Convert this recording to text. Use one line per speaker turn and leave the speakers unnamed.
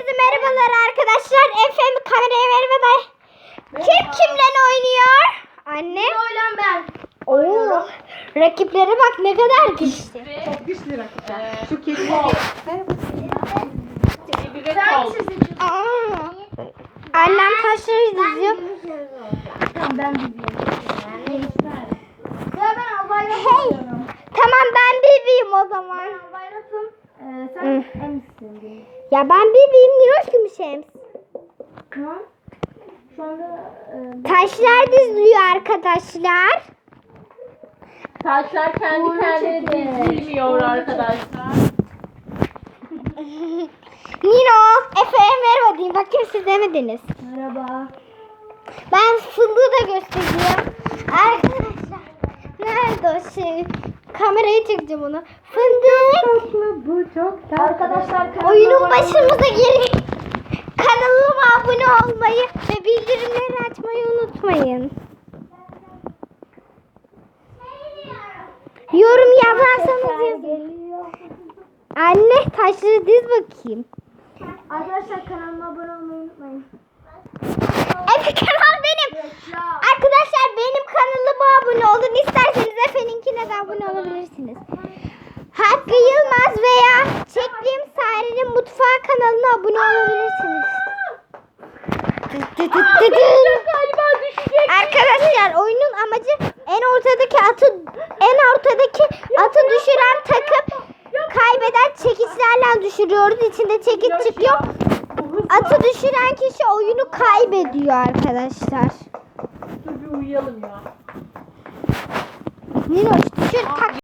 Herkese merhabalar arkadaşlar. Efendim kameraya merhaba. Kim kimle oynuyor? Anne.
Oylan ben.
Oo. Rakiplere bak ne kadar güçlü.
Çok güçlü rakipler. Şu kedi.
Annem taşları diziyor.
Tamam ben biliyorum. Ya ben Albayrak'ım.
Hey. Tamam ben bebeğim o zaman.
Ben Albayrak'ım. Sen Emsin.
Ya ben bebeğim Niroş Gümüşems.
Tamam. Şu anda
Taşlar diziliyor arkadaşlar.
Taşlar kendi kendine dizilmiyor arkadaşlar.
Nino, Efe merhaba diyeyim. Bakayım siz demediniz.
merhaba.
Ben fındığı da göstereceğim. Arkadaşlar. Nerede o şey? Kamerayı çekeceğim onu. Fındık.
Bu çok tatlı.
Arkadaşlar
Oyunun başımıza gelin. Kanalıma abone olmayı ve bildirimleri açmayı unutmayın. Yorum yazarsanız yazın. Anne taşları diz bakayım.
Arkadaşlar kanalıma abone olmayı unutmayın.
Efe kanal benim. Arkadaşlar benim kanalıma abone olun. İsterseniz Efe'ninkine de abone olabilirsiniz. Hakkı Yılmaz veya Çektiğim Sare'nin Mutfağı kanalına abone olabilirsiniz.
Galiba düşecek.
Arkadaşlar oyunun amacı en ortadaki atı düşüren takım kaybeden çekiçlerle düşürüyoruz. İçinde çekiç çıkıyor. Atı düşüren kişi oyunu kaybediyor arkadaşlar.
Dur bir uyuyalım ya.
Niloş düşür tak.